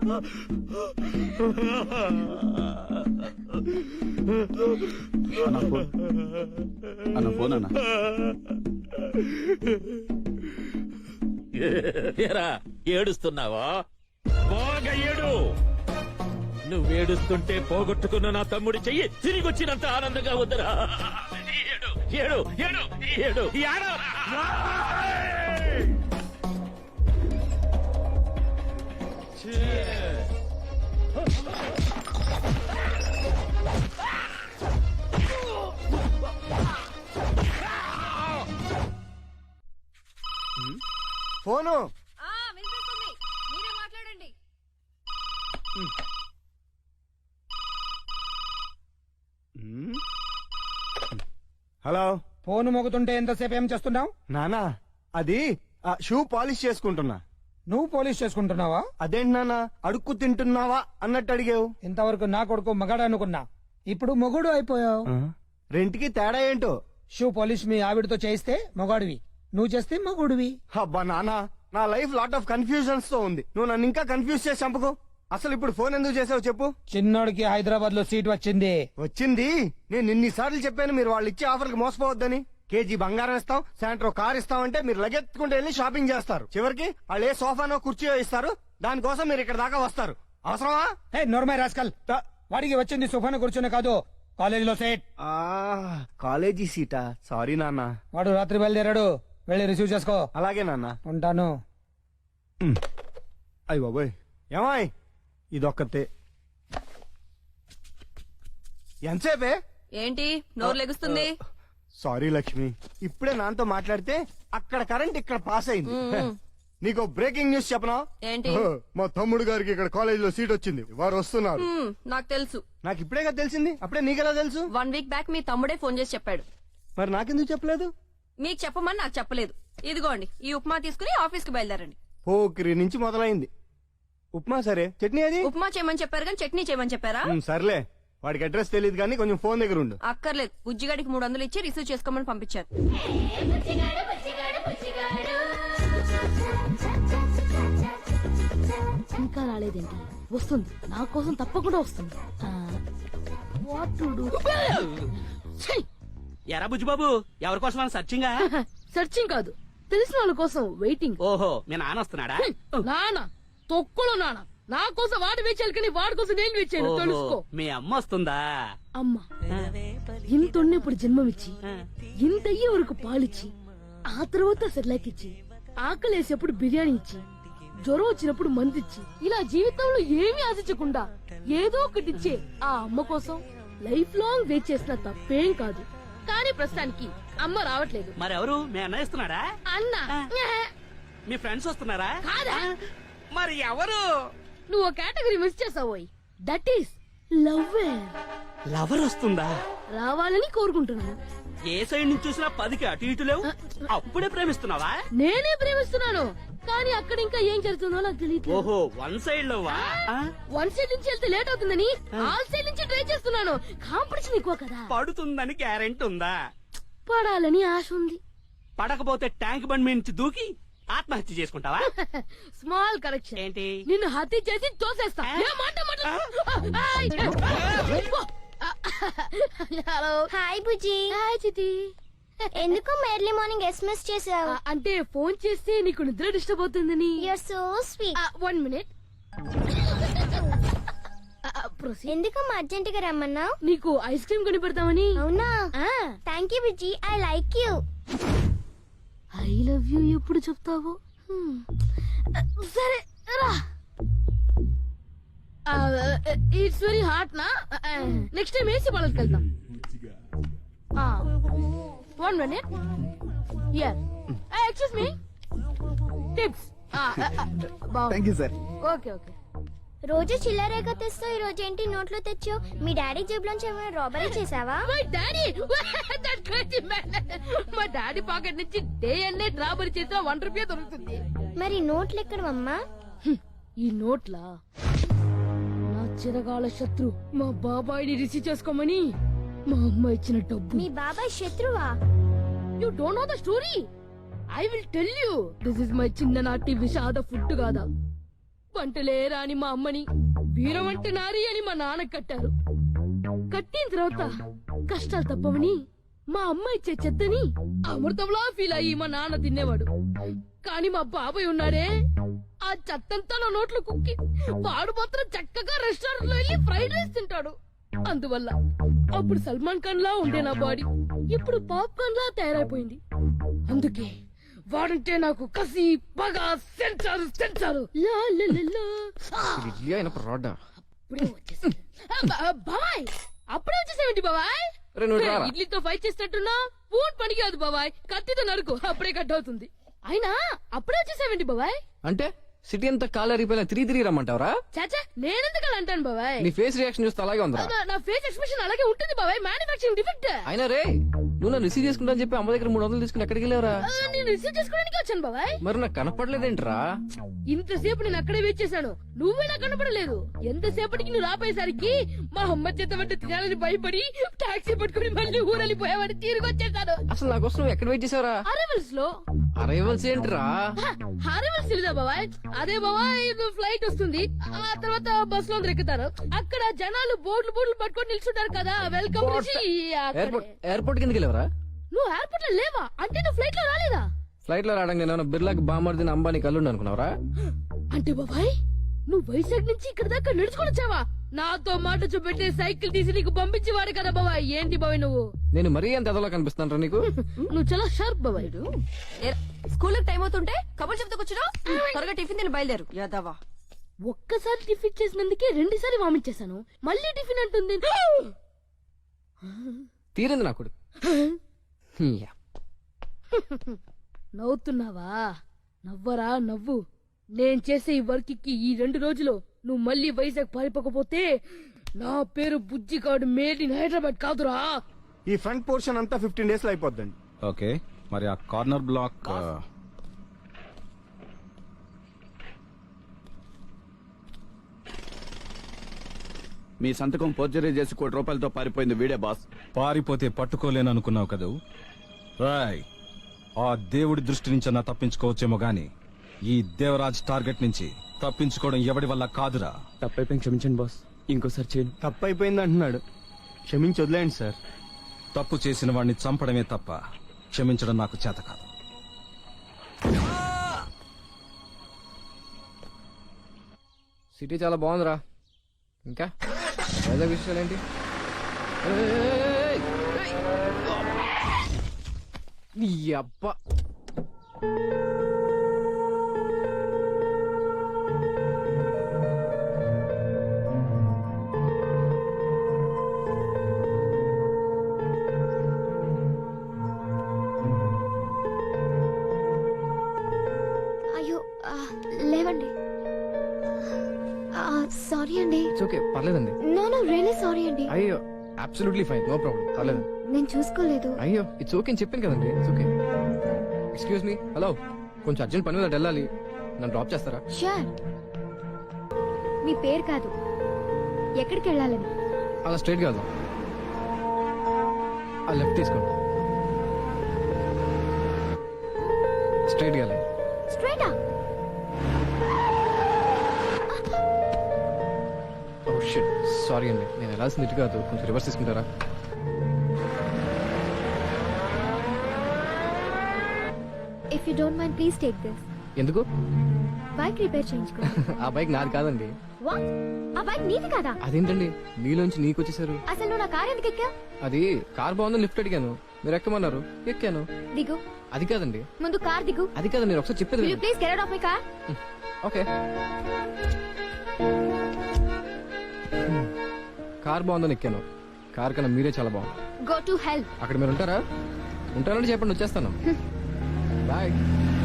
అన్న ఫోన్ అన్న. ఏరా ఏడుస్తున్నావా? బాగా ఏడు. నువ్వేడుస్తుంటే పోగొట్టుకున్న నా తమ్ముడి చెయ్యి తిరిగి వచ్చినంత ఆనందంగా ఉందిరా. ఏడు ఏడు ఏడు ఏడు ఏడు. ఫోను వినిపిస్తుంది, మీరే మాట్లాడండి. హలో. ఫోన్ మోగుతుంటే ఎంతసేపు ఏం చేస్తున్నావు? నానా అది షూ పాలిష్ చేసుకుంటున్నా. నువ్వు పోలీస్ చేసుకుంటున్నావా? అదేంటి నానా అడుక్కు తింటున్నావా అన్నట్టు అడిగావు. ఇంతవరకు నా కొడుకు మగాడు అనుకున్నా, ఇప్పుడు మొగుడు అయిపోయావు. రెంట్కి తేడా ఏంటో? షూ పోలీస్ మీ ఆవిడతో చేయిస్తే మొగాడివి, నువ్వు చేస్తే మొగుడివి. అబ్బా నానా, నా లైఫ్ లాట్ ఆఫ్ కన్ఫ్యూజన్స్ తో ఉంది. నువ్వు నన్ను ఇంకా కన్ఫ్యూజ్ చేసి చంపకు. అసలు ఇప్పుడు ఫోన్ ఎందుకు చేసావు చెప్పు. చిన్నోడికి హైదరాబాద్ లో సీట్ వచ్చింది. వచ్చింది. నేను ఇన్నిసార్లు చెప్పాను మీరు వాళ్ళు ఇచ్చే ఆఫర్ కి మోసపోవద్దని. కేజీ బంగారం ఇస్తాం, సాయంత్రం కార్ ఇస్తామంటే మీరు లగెత్తుకుంటూ వెళ్ళి షాపింగ్ చేస్తారు. చివరికి వాళ్ళు ఏ సోఫానో కుర్చీయో ఇస్తారు, దానికోసం మీరు ఇక్కడ దాకా వస్తారు. అవసరమా? హే నోర్మై రాస్కల్, వాడికి వచ్చింది సుఫాను కూర్చుని కాదు, కాలేజీలో సీట్. కాలేజీ సీటా? సారీ నాన్న. వాడు రాత్రి బయలుదేరాడు, వెళ్ళి రిసీవ్ చేసుకో. అలాగే నాన్న. ఉంటాను. అయ్య బాబోయ్, ఏమాయ్ ఇదొక్కతే. ఎంతసేపే? ఏంటి నోరు లెగుస్తుంది? సారీ లక్ష్మి, ఇప్పుడే నాన్నతో మాట్లాడితే అక్కడ కరెంట్ ఇక్కడ పాస్ అయింది. నీకు బ్రేకింగ్ న్యూస్ చెప్పనా? ఏంటి? మా తమ్ముడు గారికి ఇక్కడ కాలేజీలో సీట్ వచ్చింది, వారు వస్తున్నారు. నాకు తెలుసు. నాకు ఇప్పుడే కదా తెలిసింది. అప్పుడే నీకెలా తెలుసు? 1 వీక్ బ్యాక్ మీ తమ్ముడే ఫోన్ చేసి చెప్పాడు. మరి నాకెందుకు చెప్పలేదు? మీకు చెప్పమని నాకు చెప్పలేదు. ఇదిగోండి, ఈ ఉప్మా తీసుకుని ఆఫీస్ కి బయలుదేరండి. పోకిరి నుంచి మొదలైంది. ఉప్మా సరే, చట్నీ అది? ఉప్మా చేయమని చెప్పారు కానీ చట్నీ చేయమని చెప్పారా? సర్లే, వాడికి అడ్రస్ తెలియదు కానీ కొంచెం ఫోన్ దగ్గర ఉండు. అక్కర్లేదు, బుజ్జిగాడికి 300 ఇచ్చి రిసీవ్ చేసుకోమని పంపించారు. ఇంకా రాలేదేంటి? వస్తుంది, నా కోసం తప్పకుండా వస్తుంది. What to do? ఎరా బుజ్జిబాబు, ఎవరి కోసం సర్చింగా? సర్చింగ్ కాదు, తెలిసిన వాళ్ళ కోసం వెయిటింగ్. ఓహో, మీ నాన్న వస్తున్నాడా? నాన్న తొక్కులో నాన్న నా కోసం వాడు వేచాలి కానీ వాడి కోసం నేను వేచాను, తెలుసుకో. మీ అమ్మ వస్తుందా? అమ్మ ఇంత ఇప్పుడు జన్మమిచ్చి, ఇంత అయ్యే వరకు పాలిచ్చి, ఆ తర్వాత సెర్లాక్ ఇచ్చి, ఆకలేసేప్పుడు బిర్యానీ ఇచ్చి, జ్వరం వచ్చినప్పుడు మందిచ్చి, ఇలా జీవితంలో ఏమీ ఆశించకుండా ఏదో ఒకటిచ్చే ఆ అమ్మ కోసం లైఫ్ లాంగ్ వెయిట్ చేసిన తప్పేం కాదు. కానీ ప్రస్తుతానికి అమ్మ రావట్లేదు. మరెవరు? మీ అన్న ఇస్తున్నాడా? అన్న మీ ఫ్రెండ్స్ వస్తున్నారా? కాదా? మరి ఎవరు? నువ్వు కేటగిరీ మిస్ చేసావోయ్, దట్ ఈస్ లవ్. లవర్ వస్తుందా? రావాలని కోరుకుంటున్నాను. ఏ సైడ్ నుంచి చూసినా 10కి అటు ఇటు లేవు. అప్పుడే ప్రేమిస్తున్నావా? నేనే ప్రేమిస్తున్నాను, కానీ అక్కడ ఇంకా ఏం జరుగుతుందో నాకు తెలియదు. ఓహో, 1 సైడ్ లో 1 సైడ్ నుంచి వెళ్తే లేట్ అవుతుందని ఆల్ సైడ్ నుంచి ట్రై చేస్తున్నాను. కాంపిటీషన్ ఎక్కువ కదా. పడుతుందని గ్యారెంటీ ఉందా? పడాలని ఆశ ఉంది. పడకపోతే ట్యాంక్ బండ్ మీద నుంచి దూకి ఆత్మహత్య చేసుకుంటావా? Small correction. ఏంటి? నిన్ను హత్య చేసి తోసేస్తా. Hello. Hi Bujji. Hi Chiti. ఎందుకు ఎర్లీ మార్నింగ్ ఎస్ఎంఎస్ చేసావు? అంటే ఫోన్ చేస్తే నీకు నిద్ర డిస్టర్బ్ అవుతుందని. Your so sweet. 1 మినిట్. ఎందుకమ్మా అర్జెంట్ గా రమ్మన్నావు? నీకు ఐస్ క్రీమ్ కొని పెడతామని. అవునా? Thank you Bujji, I like you. I love you ఎప్పుడు చెప్తావు? సరే రా. ఇట్స్ వెరీ హాట్ నా. నెక్స్ట్ టైం ఏసీ పాలకి వెళ్తాం. 1 minute. Here. Excuse me. Tips. Thank you sir. Okay okay. రోజు చిల్లరేగా తెస్తావు, ఈ రోజు ఏంటి నోట్లో తెచ్చావు? మీ డాడీ జేబులోంచి ఏమైనా రాబరీ చేసావా? My daddy that crazy man. మా డాడీ పాకెట్ నుంచి డే అండ్ నైట్ రాబరీ చేసిన 1 రూపీ దొరుకుతుంది. మరి నోట్లు ఎక్కడమ్మా? ఈ నోట్లా నా చిరకాల శత్రు మా బాబాయిని రిసీవ్ చేసుకోమని మా అమ్మ ఇచ్చిన డబ్బు. మీ బాబాయ్ శత్రువా? You don't know the story. I will tell you. This is my చిన్ననాటి విషాద ఫుడ్ కాదా, వంటలే రాని మా అమ్మని వీరవంట నారి అని మా నాన్న కట్టారు. కట్టిన తర్వాత కష్టాలు తప్పవని మా అమ్మ ఇచ్చే చెత్తని అమృతంలా ఫీల్ అయ్యి మా నాన్న తినేవాడు. కానీ మా బాబాయ్ ఉన్నాడే, ఆ చెత్తంతా నా నోట్లో కుక్కి వాడు మాత్రం చక్కగా రెస్టారెంట్ లో వెళ్ళి ఫ్రైడ్ రైస్ తింటాడు. అందువల్ల అప్పుడు సల్మాన్ ఖాన్ లా ఉండే నా బాడీ ఇప్పుడు పాప్కార్న్ లా తయారైపోయింది. అందుకే వాడంటే నాకు కసి పగ సెంచారు బాబాయ్. అప్పుడే వచ్చేసేమిటి బాబాయ్? ఇడ్లీతో ఫైట్ చేసినట్టున్నా పూట్ పనికి కాదు బాబాయ్, కత్తితో నరుకు అప్పుడే కట్ అవుతుంది. అయినా అప్పుడే వచ్చేసేమిటి బాబాయ్? అంటే సిటీ అంతా కాలు అరిగిపోయినా తిరిగి రమ్మంటావరా? చాచా నేనెందుకు అలా అంటాను బాబాయ్? నీ ఫేస్ రియాక్షన్ చూస్తే అలాగే ఉందా? నా ఫేస్ ఎక్స్ప్రెషన్ అలాగే ఉంటుంది బాబాయ్, మ్యానుఫాక్చరింగ్ డిఫెక్ట్. అయినా రే, నువ్వు నన్ను రిసీవ్ చేసుకుంటా అని చెప్పి అమ్మ దగ్గర 300 తీసుకుని ఎక్కడికి వెళ్ళావరా? నేను రిసీవ్ చేసుకోవడానికి వచ్చాను బాబాయ్. మరి నాకు కనపడలేదేంట్రా? ఇంతసేపు నేను అక్కడే వెయిట్ చేశాను, నువ్వే నాకు కనపడలేదు. ఎంతసేపటికి నువ్వు రాపోయేసరికి మా అమ్మ చేత వంట తినాలని భయపడి టాక్సీ పట్టుకుని మళ్ళీ ఊరెళ్ళిపోయావని తిరిగి వచ్చేసాను. అసలు నా కోసం నువ్వు ఎక్కడ వెయిట్ చేసావరా? అరైవల్స్ లో. అరైవల్స్ ఏంట్రా? అరైవల్స్ తెలీదా బాబాయ్? అదే బాబాయ్, ఫ్లైట్ వస్తుంది, ఆ తర్వాత బస్ లో అందరు ఎక్కుతారు, అక్కడ జనాలు బోర్డులు పట్టుకొని నిల్చుంటారు కదా, వెల్కమ్ ఎయిర్పోర్ట్ కిందకి వెళ్ళావరా? నువ్వు ఎయిర్పోర్ట్ లో లేవా? అంటే నువ్వు ఫ్లైట్ లో రాలేదా? ఫ్లైట్ లో రావడానికి నేను బిర్లాకి బామర్దిన అంబానీ కల్లుండి అనుకున్నావరా? అంటే బాబాయ్ నువ్వు వైజాగ్ నుంచి ఇక్కడ దాకా నడుచుకొని వచ్చావా? నాతో మాట చూపెట్టే సైకిల్ తీసి నీకు పంపించేవాడు కదా బాబాయ్. ఏంటి బాబాయ్ నువ్వు? నేను మరీ ఎంత ఎదలో కనిపిస్తాను నీకు? నువ్వు చాలా షార్ప్ బాబాయ్. స్కూల్ టైం అవుతుంటే కబుర్లు చెప్తూ కూర్చున్నావు. త్వరగా టిఫిన్ తిని బయలుదేరు యాదవా. ఒక్కసారి టిఫిన్ చేసినందుకే 2 సార్లు వామిట్ చేశాను, మళ్ళీ టిఫిన్ అంటుంది. తీరింది నాకు. నవ్వుతున్నావా? నవ్వరా నవ్వు. నేను చేసే ఈ వర్క్ కి ఈ 2 రోజులు నువ్వు మళ్ళీ వైజాగ్ పారిపోకపోతే నా పేరు బుజ్జిగాడు మేడ్ ఇన్ హైదరాబాద్ కాదురా. ఈ ఫ్రంట్ పోర్షన్ అంతా 15 days లో అయిపోద్దండి. ఓకే, మరి ఆ కార్నర్ బ్లాక్ మీ సంతకం పోర్జరీ చేసి ₹1 పారిపోయింది వీడే బాస్. పారిపోతే పట్టుకోలేను అనుకున్నావు కదూ? రాయ్, ఆ దేవుడి దృష్టి నుంచి అన్నా తప్పించుకోవచ్చేమో గాని ఈ దేవరాజ్ టార్గెట్ నుంచి తప్పించుకోవడం ఎవడి వల్ల కాదురా. తప్పైపోయింది, క్షమించండి బాస్, ఇంకోసారి చేయను. తప్పు అయిపోయింది అంటున్నాడు, క్షమించి వదిలేండి సార్. తప్పు చేసిన వాడిని చంపడమే తప్ప క్షమించడం నాకు చేత కాదు. సిటీ చాలా బాగుందిరా. ఇంకా వైజాగ్ విషయాలు ఏంటి? నీ అబ్బా, అయ్యో లేవండి. సారీ అండి. ఓకే పర్లేదండి. నో రియలీ సారీ అండి. అయ్యో అబ్సల్యూట్లీ ఫైన్, నో ప్రాబ్లం, పర్లేదు. నేను చూసుకోలేదు. అయ్యో ఇట్స్ ఓకే అని చెప్పాను కదండి. It's okay. Excuse me, hello, కొంచెం అర్జెంట్ పని మీద వెళ్ళాలి, నన్ను డ్రాప్ చేస్తారా? షూర్. మీ పేరు కాదు, ఎక్కడికి వెళ్ళాలని? అలా స్ట్రైట్ కాదు, ఆ లెఫ్ట్ తీసుకోండి. స్ట్రైట్ గా స్ట్రైటా? ఓ షిట్, సారీ అండి, నేను వెళ్ళాల్సింది ఇటు కాదు, కొంచెం రివర్స్ తీసుకుంటారా? If you don't mind please take this. ఎందుకు? బైక్ రిపేర్ చేయించుకో. ఆ బైక్ నాది కాదండి. వాట్? ఆ బైక్ నీది కాదా? అదేంటండి నీలోంచి నీకు వచ్చేసారు? అసలు నువ్వు నా కార్ ఎందుకు ఎక్కా? అది కార్ బాగుందని లిఫ్ట్ అడిగాను, మీరు ఎక్కమన్నారు, ఎక్కాను. దిగు. అది కాదండి. ముందు కార్ దిగు. అది కాదండి, నేను ఒకసారి చెప్పేది. Will you please get out of my car? Okay. Car బాగుందని ఎక్కాను, కార్ కన్నా మీరే చాలా బాగుంది. Go to hell. అక్కడ మీరు ఉంటారా? ఉంటారంటే చెప్పండి, వచ్చేస్తాను. బాయ్.